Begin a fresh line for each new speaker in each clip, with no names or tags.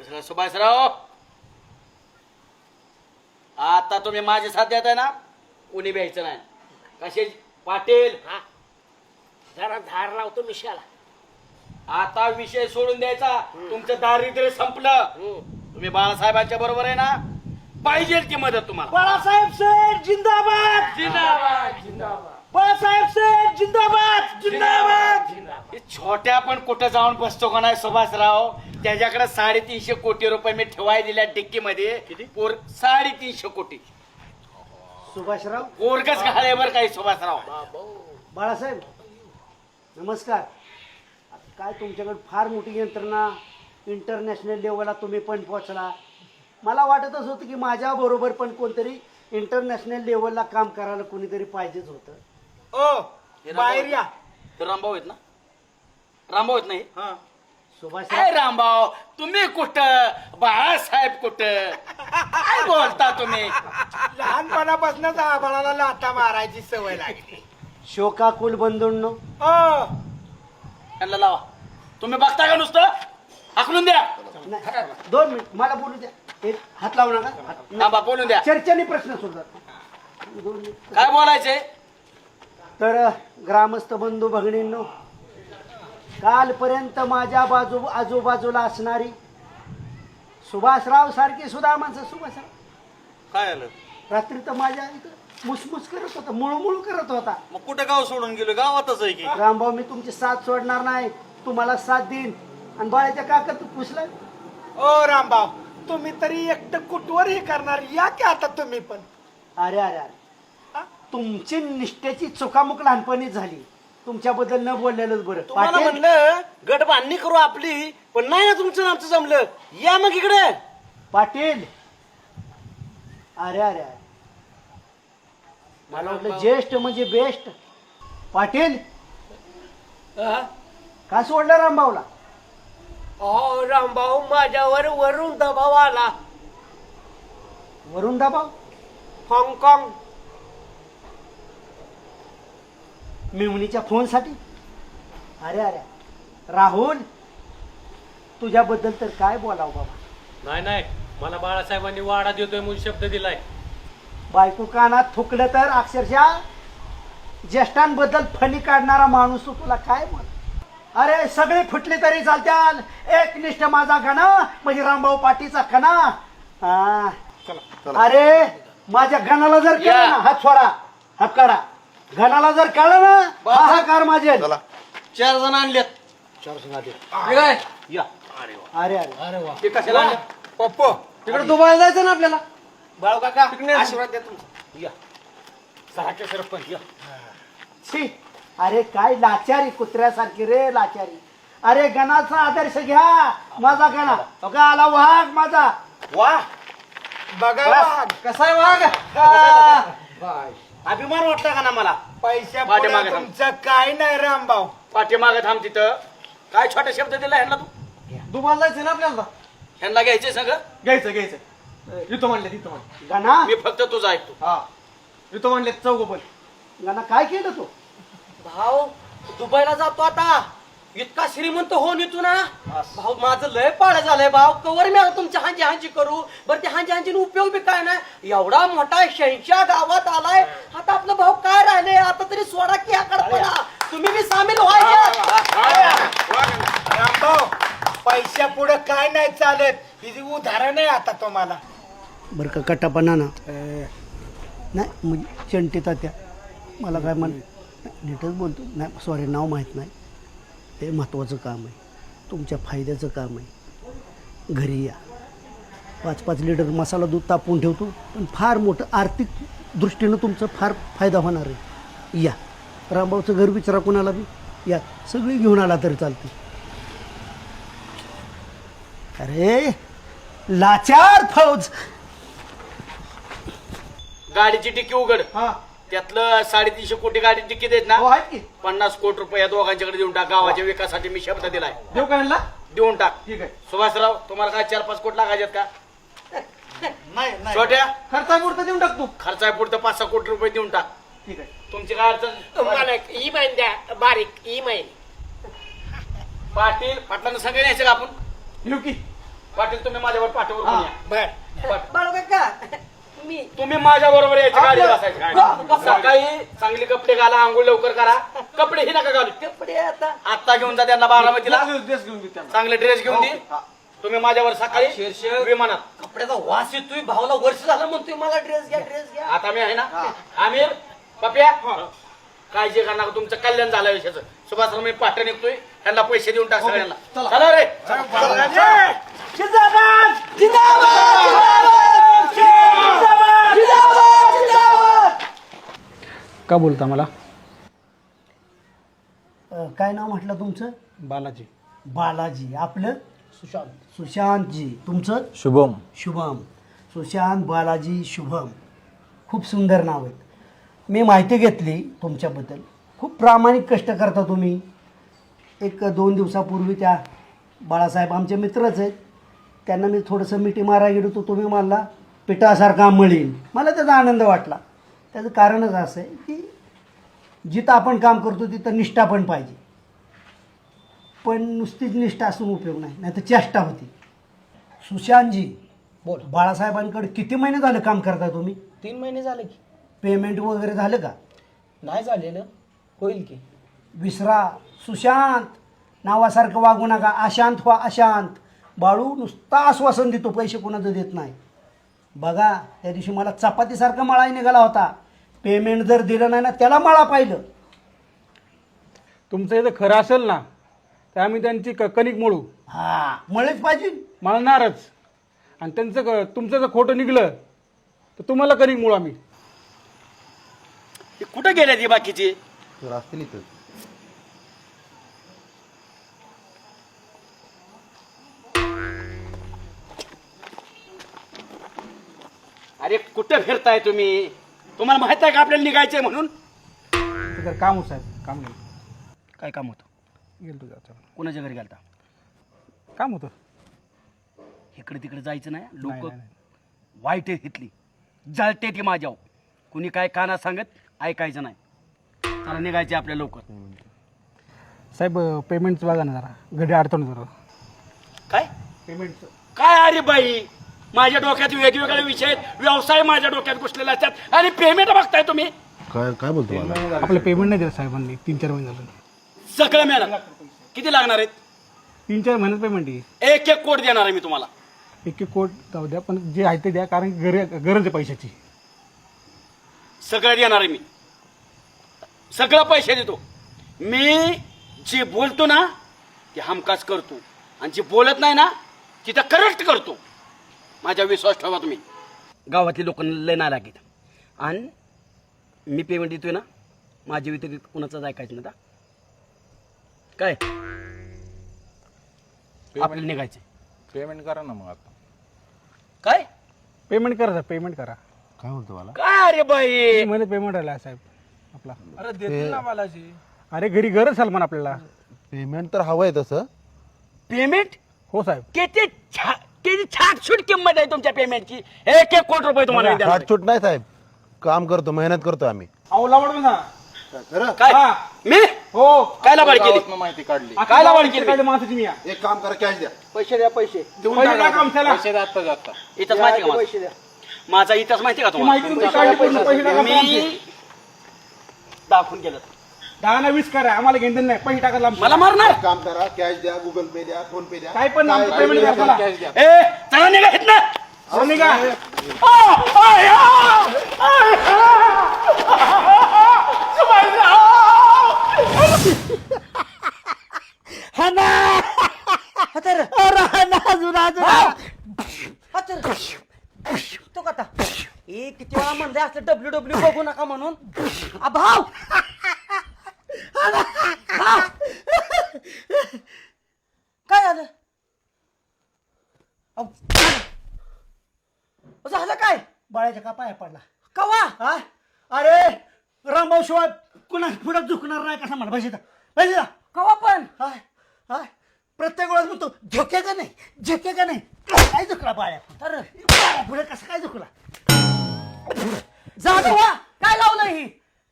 सुभाषराव, आता तुम्ही माझे साथ देताय ना, कोणी भ्यायचं नाही. कसे पाटील,
जरा धार लावतो मिशाला.
आता विषय सोडून द्यायचा. तुमचं दारिद्र्य संपलं. तुम्ही बाळासाहेबांच्या बरोबर आहे ना, पाहिजे ती मदत तुम्हाला.
बाळासाहेब सेठ जिंदाबाद.
जिंदाबाद जिंदाबाद.
बाळासाहेब सेठ जिंदाबाद. जिंदाबाद.
हे छोट्या पण कुठं जाऊन बसतो का नाही सुभाषराव, त्याच्याकडे 350 कोटी रुपये मी ठेवाय दिल्या डिक्कीमध्ये. 350 कोटी.
सुभाषराव,
पोरगच घाले बर काही सुभाषराव.
बाळासाहेब नमस्कार. काय तुमच्याकडे फार मोठी यंत्रणा, इंटरनॅशनल लेवलला तुम्ही पण पोहोचला. मला वाटतच होतं की माझ्या बरोबर पण कोणतरी इंटरनॅशनल लेवलला काम करायला कोणीतरी पाहिजेच होतं.
बाहेर या. रामभाऊ आहेत ना? रामभाऊ आहेत नाही?
सुभाषराव,
काय रामभाऊ, तुम्ही कुठं, बाळासाहेब कुठं, काय बोलता तुम्ही?
लहानपणापासूनच आबाळाला लाथा मारायची सवय लागली.
शोकाकुल बंधूंनो,
त्यांना लावा. तुम्ही बघता का नुसतं? हाकलून द्या.
नाही, 2 मिनिट मला बोलू द्या. एक हात लावू नका.
थांबा, बोलून द्या.
चर्चेने प्रश्न सोडतात. 2 मिनिट.
काय बोलायचंय?
तर ग्रामस्थ बंधू भगिनींनो, कालपर्यंत माझ्या आजूबाजूला असणारी सुभाषराव सारखी सुद्धा माणसं, सुभाषराव
काय आलं?
रात्री तर माझ्या इथं मुसमुस करत होता, मुळमुळ करत होता.
मग कुठं गाव सोडून गेलो? गावातच आहे की.
रामभाऊ, मी तुमची साथ सोडणार नाही, तुम्हाला साथ देईन. आणि बाळाच्या काका तू पुसला.
ओ रामभाऊ, तुम्ही तरी एकटं कुठवर हे करणार, या की आता तुम्ही पण.
अरे अरे अरे, तुमची निष्ठेची चुकामुक लहानपणी झाली. तुमच्याबद्दल न बोललेलंच बरं.
तुम्हाला
पाटील,
म्हणलं गट बांधणी करू आपली, पण नाही ना तुमचं आमचं जमलं. या मग इकडे.
पाटील, अरे अरे अरे, मला वाटलं ज्येष्ठ म्हणजे बेस्ट. पाटील, का सोडलं रामभाऊला?
रामभाऊ, माझ्यावर वरून दबाव आला.
वरून दबाव?
हाँगकाँग.
मेहुणीच्या फोनसाठी? अरे अरे राहुल, तुझ्याबद्दल तर काय बोलावं बाबा.
नाही नाही, मला बाळासाहेबांनी वाडा देतोय म्हणून शब्द दिलाय.
बायको कानात थुकलं तर अक्षरशः ज्येष्ठांबद्दल फणी काढणारा माणूस तू, तुला काय बोल. अरे सगळे फुटले तरी चालत्याल, एकनिष्ठ माझा गणा म्हणजे रामभाऊ पाटीचा कणा. अरे माझ्या गणाला जर केलं ना, हात सोडा, हात काढा. गणाला जर कळलं ना, हाहाकार माझे.
4 जण आणलेत.
4 जण आले.
या.
अरे अरे
ते कशाला आणलेत?
पप्पो,
तिकडे दुबईला जायचं ना आपल्याला.
बाळू काका, आशीर्वाद द्या तुमचा. या. सहाच्या सरपंच या.
छी, अरे काय लाचारी, कुत्र्यासारखी रे लाचारी. अरे गणाचा आदर्श घ्या, माझा गणा. बघा आला वाघ माझा.
वा,
बघा वाघ,
कसा आहे वाघ? अभिमान वाटला का ना मला?
पैशा
पाठीमागे थांब.
तुमचं काय नाही रामभाऊ.
पाठीमागं थांब तिथं. काय छोटा शब्द दिला ह्यांना तू?
दुबईला जायचं ना आपल्याला.
ह्यांना घ्यायचे सगळं?
घ्यायचं. इथं म्हणले.
गणा,
मी फक्त तुझा ऐकतो.
हा, इथं म्हणले चौघ पण.
गणा काय केलं तू?
भाऊ, दुबईला जातो आता. इतका श्रीमंत होऊन येतो ना भाऊ, माझं लय पाळ झालंय भाऊ. कवर मी आता तुमच्या हांजी करू. बरं ते हांजी उपयोग बी काय नाही. एवढा मोठा 86 गावात आलाय. आता आपलं भाऊ काय राहिले, आता तरी सोडा की आकडपणा. तुम्ही बी सामील व्हायचे.
रामभाऊ, पैशा पुढे काय नाही चालत. ही उदाहरण आहे आता तुम्हाला.
बरं का कटापणा ना नाही, म्हणजे चंटी तात्या मला काय म्हण, नीटच बोलतो. नाही सॉरी, नाव माहीत नाही. ते महत्त्वाचं काम आहे, तुमच्या फायद्याचं काम आहे. घरी या, 5-5 लिटर मसाला दूध तापवून ठेवतो. पण फार मोठं आर्थिक दृष्टीनं तुमचं फार फायदा होणार आहे. या, रामभाऊचं घर विचारा कोणाला बी. या, सगळी घेऊन आला तरी चालते. अरे लाचार फौज.
गाडीची टिकी उघड. त्यातलं 350 कोटी गाडी टिकी देत ना, 50 कोटी रुपये या दोघांच्याकडे देऊन टाक. गावाच्या विकासासाठी मी शब्द दिलाय.
देऊ का ह्यांना?
देऊन टाक.
ठीक आहे.
सुभाषराव, तुम्हाला काय 4-5 कोटी लागायचे का?
नाही
छोट्या
खर्चापुरतं देऊन टाकतो.
खर्चापुरतं 5-6 कोटी रुपये देऊन टाक.
ठीक आहे.
तुमची काय अडचण?
मला एक ई-माइन द्या, बारीक ई-माइन.
पाटील, पाटलांना सगळे न्यायचं का आपण?
येऊ की.
पाटील तुम्ही माझ्यावर पाठवर
हा,
या.
बर
बाळू काका मी
तुम्ही माझ्या बरोबर यायचं गाडी बसायचं
ग-
सकाळी चांगले कपडे घाला आंघोळ लवकर करा कपडे ही नका घालू
कपडे आता
आता घेऊन जा त्यांना बारामतीला चांगले ड्रेस घेऊन दे तुम्ही माझ्यावर सकाळी
शीर्षक.
विमानात
कपड्याचा वास येतोय भावाला वर्ष झालं म्हणतोय मला ड्रेस घ्या
आता मी आहे ना आमिर पप्या काळजी करा नका तुमचं कल्याण झालं विषयाचं सुभाष मी पाठ निघतोय त्यांना पैसे देऊन टाक सगळ्यांना चला रे
का बोलता मला
काय नाव म्हटलं तुमचं?
बालाजी
बालाजी. आपलं? सुशांतजी. तुमचं?
शुभम.
शुभम. सुशांत बालाजी शुभम. खूप सुंदर नाव आहेत. मी माहिती घेतली तुमच्याबद्दल. खूप प्रामाणिक कष्ट करता तुम्ही. 1-2 दिवसापूर्वी त्या बाळासाहेब आमचे मित्रच आहेत, त्यांना मी थोडंसं मिठी मारा गेलो तो तुम्ही मला पिठासारखा मळीन. मला त्याचा आनंद वाटला. त्याचं कारणच असं आहे की जिथं आपण काम करतो तिथं निष्ठा पण पाहिजे. पण नुसतीच निष्ठा असून उपयोग नाही, नाही तर चेष्टा होती. सुशांतजी
बोल.
बाळासाहेबांकडे किती महिने झालं काम करता तुम्ही?
3 महिने झाले की
पेमेंट वगैरे झालं का?
नाही झालेलं, होईल की.
विसरा. सुशांत नावासारखं वागू नका. अशांत व्हा अशांत. बाळू नुसता आश्वासन देतो, पैसे कोणाचं देत नाही. बघा त्या दिवशी मला चपातीसारखं मळाही निघाला होता. पेमेंट जर दिलं नाही ना त्याला मळा पाहिलं.
तुमचं इथं खरं असेल ना तर आम्ही त्यांची कणिक मोडू,
हा मळेच पाहिजे.
मळणारच. आणि तुमचं जर खोटं निघलं तर तुम्हाला कणिक मोडू आम्ही.
कुठे गेले ती बाकीची?
असतील इथं.
अरे कुठे फिरताय तुम्ही? तुम्हाला माहित आहे का आपल्याला निघायचंय म्हणून?
तर काम होत साहेब, काम नाही.
काय काम होतं?
गेलो तुझ्या हातावर.
कोणाच्या घरी गेलता?
काम होतं.
इकडे तिकडे जायचं नाही. लोक
नाही, नाही.
वाईट आहेत इथली, जळते ती माझ्यावर. कुणी काय काना सांगत ऐकायचं नाही. चला निघायचे आपल्या लवकर.
साहेब पेमेंटचं बघा ना जरा, घडी अडचण जरा.
काय
पेमेंटचं
काय? अरे बाई माझ्या डोक्यात वेगवेगळे विषय आहेत, व्यवसाय माझ्या डोक्यात घुसलेले असतात आणि पेमेंट बघताय तुम्ही.
काय काय बोलतो मला?
आपलं पेमेंट नाही दिलं साहेबांनी. 3-4 महिने झालं.
सगळं मिळणार. किती लागणार आहेत?
3-4 महिन्यात पेमेंट आहे.
1-1 कोट देणार आहे मी तुम्हाला.
1 कोट जाऊ द्या, पण जे आहे ते द्या, कारण गरज आहे पैशाची.
सगळं देणार आहे मी. सगळं पैसे देतो. मी जे बोलतो ना ते हमखास करतो आणि जे बोलत नाही ना तिथं करेक्ट करतो. माझा विश्वास ठेवा तुम्ही. गावातली लोकांना लय नाही लागेल आणि मी पेमेंट देतोय ना, माझ्या व्यतिरिक्त कुणाचाच ऐकायचं ना. काय आपल्याला निघायचं?
पेमेंट करा ना मग आता.
काय
पेमेंट करा साहेब, पेमेंट करा.
काय बोलतो मला?
काय रे बाई?
3 महिने पेमेंट आला साहेब आपला. अरे देतील ना बालाजी. अरे घरी गरज सलमान आपल्याला.
पेमेंट तर हवंय तसं.
पेमेंट
हो साहेब.
किती छाटछूट किंमत आहे तुमच्या पेमेंटची. 1-1 कोट रुपये तुम्हाला मी देणार.
छूट नाही साहेब, काम करतो, मेहनत करतो आम्ही.
काय मी
हो.
काय लाभाड केली?
माहिती काढली.
काय लाभाड केली?
माणसाची मी
एक काम करा, कॅश द्या.
पैसे द्या. पैसे
इथंच माहिती का
पैसे द्या.
माझा इथंच माहिती का
माहिती तुमची काढली, पैसे टाका.
मी दाखवून गेलं
10 ना 20 करा, आम्हाला घेऊन नाही. पैसे टाकायला
मला मारणार.
काम करा, कॅश द्या, गुगल पे द्या, फोन पे द्या.
काय पण पेमेंट करा.
कॅश द्या.
ए चला निघा इथनं.
निघा.
तो कथा किती वेळा म्हणले असलं WWE बघू नका म्हणून. भाव काय झालं? झालं काय?
बाळाच्या का पाया पडला?
कवा?
हा? अरे रामभाऊ शिवाय कुणा पुढे झुकणार नाही कसा मला. पैसे द्या. पैसे द्या.
कवा पण?
हाय हाय प्रत्येक वेळेस म्हणतो झोके का नाही, झोके का नाही. काय झुकला बाळ्या?
तर
पुढे कसं काय झुकला?
जा कवा? काय लावलं ही?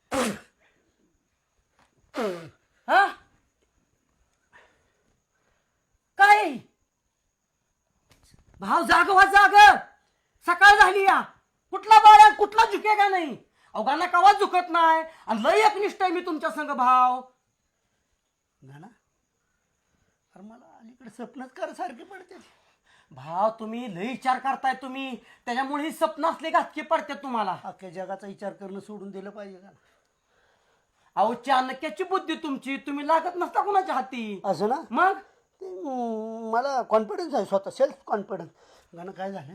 हा काय? भाव जाग सकाळ झाली या कुठला बाळ्या कुठला झुके का नाही अवघांना कवा झुकत नाही आणि लय एकनिष्ठ आहे मी तुमच्या संग भाव
ना अरे मला अलीकडे स्वप्नच कर सारखे पडते
भाव तुम्ही लय विचार करताय तुम्ही त्याच्यामुळे ही स्वप्न असले घातके पडतात तुम्हाला
अख्ख्या जगाचा विचार करणं सोडून दिलं पाहिजे का
अहो चाणक्याची बुद्धी तुमची तुम्ही लागत नसता कुणाच्या हाती
असं ना
मग
ते मला कॉन्फिडन्स आहे स्वतः सेल्फ कॉन्फिडन्स गाणं काय झालं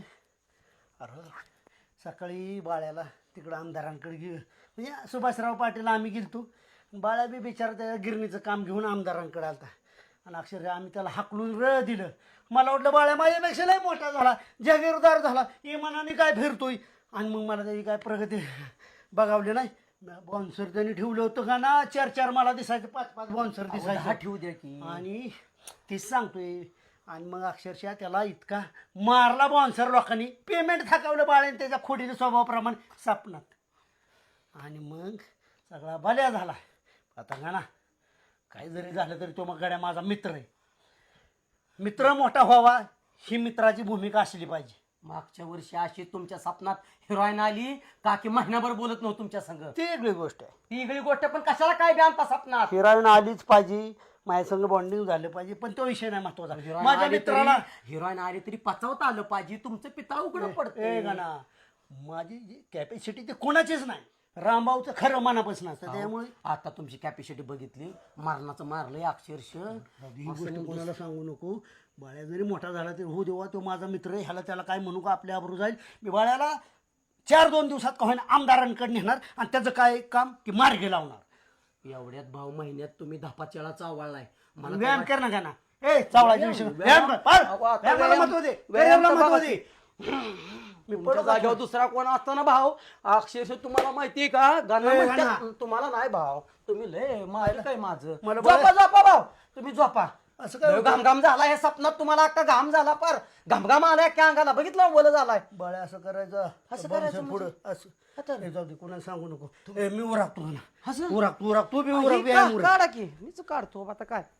अरे सकाळी बाळ्याला तिकडं आमदारांकडे म्हणजे सुभाषराव पाटील आम्ही गेलतो बाळ्या बी बिचारा त्या गिरणीचं काम घेऊन आमदारांकडे आलता आणि अक्षरशः आम्ही त्याला हाकलून दिलं मला वाटलं बाळ्या माझ्यापेक्षा लय मोठा झाला जागीरदार झाला इमानाने काय फिरतोय आणि मग मला त्याची काय प्रगती बघावली नाही बॉन्सर त्यांनी ठेवलं होतं का ना 4 मला दिसायचं 5 बॉन्सर दिसायचं
ठेवू द्या की
आणि तीच सांगतोय आणि मग अक्षरशः त्याला इतका मारला बॉन्सर लोकांनी पेमेंट थकावलं बाळेन त्याच्या खोडीच्या स्वभावाप्रमाणे सापनात आणि मग सगळा बल्या झाला आता का ना काही जरी झालं तरी तो मग गड्या माझा मित्र आहे मित्र मोठा व्हावा ही मित्राची भूमिका असली पाहिजे
मागच्या वर्षी अशी तुमच्या स्वप्नात हिरोईन आली का की महिनाभर बोलत नव्हतं तुमच्या संग
ती वेगळी गोष्ट आहे
ती वेगळी गोष्ट पण कशाला काय बी आणता स्वप्नात
हिरोईन आलीच पाहिजे माझ्या संग बॉन्डिंग झालं पाहिजे पण तो विषय नाही महत्वाचा माझ्या मित्राला
हिरोईन आली तरी पचवता आलं पाहिजे तुमचं पितळ उघडं पडतं
गाणा माझी जी कॅपॅसिटी ते कोणाचीच नाही रामभाऊचं खरं मनापासून असतं त्यामुळे
आता तुमची कॅपॅसिटी बघितली मारणाचं मारलंय अक्षरशः
ही गोष्ट कोणाला सांगू नको बाळ्या जरी मोठा झाला तरी हो देवा तो माझा मित्र आहे ह्याला त्याला काय म्हणू का आपल्या आबरू जाईल मी बाळ्याला 4-2 दिवसात का होईना आमदारांकडे नेणार आणि त्याचं काय काम की मार्गे लावणार
एवढ्यात भाऊ महिन्यात तुम्ही 10 चावळलाय मला
व्यायाम कर ना का ना ए चावळाच्या विषय व्यायाम कर व्यायामाला महत्व दे व्यायामाला महत्व दे
मी पडत जागेवर दुसरा कोण असतो ना भाऊ अक्षरशः तुम्हाला माहितीये का गाणं
ए,
म्हणतात,
गाणं.
तुम्हाला नाही भाव तुम्ही लय माहिती काय माझं
मला
झोपा भाऊ तुम्ही झोपा
असं काय
लय घाम झाला हे स्वप्नात तुम्हाला अख्खा घाम झाला पर घाम आलाय क्या अंगाला बघितलं बोल झालाय
बाळ्या असं करायचं
असं करायचं
पुढं
आता.
असं ए, जाऊ दे कोणाला सांगू नको ए, मी उराकतो ना
असं?
उराक तू बी
ही
उराक व्यायाम उराक
काढा की मीच काढतो आता काय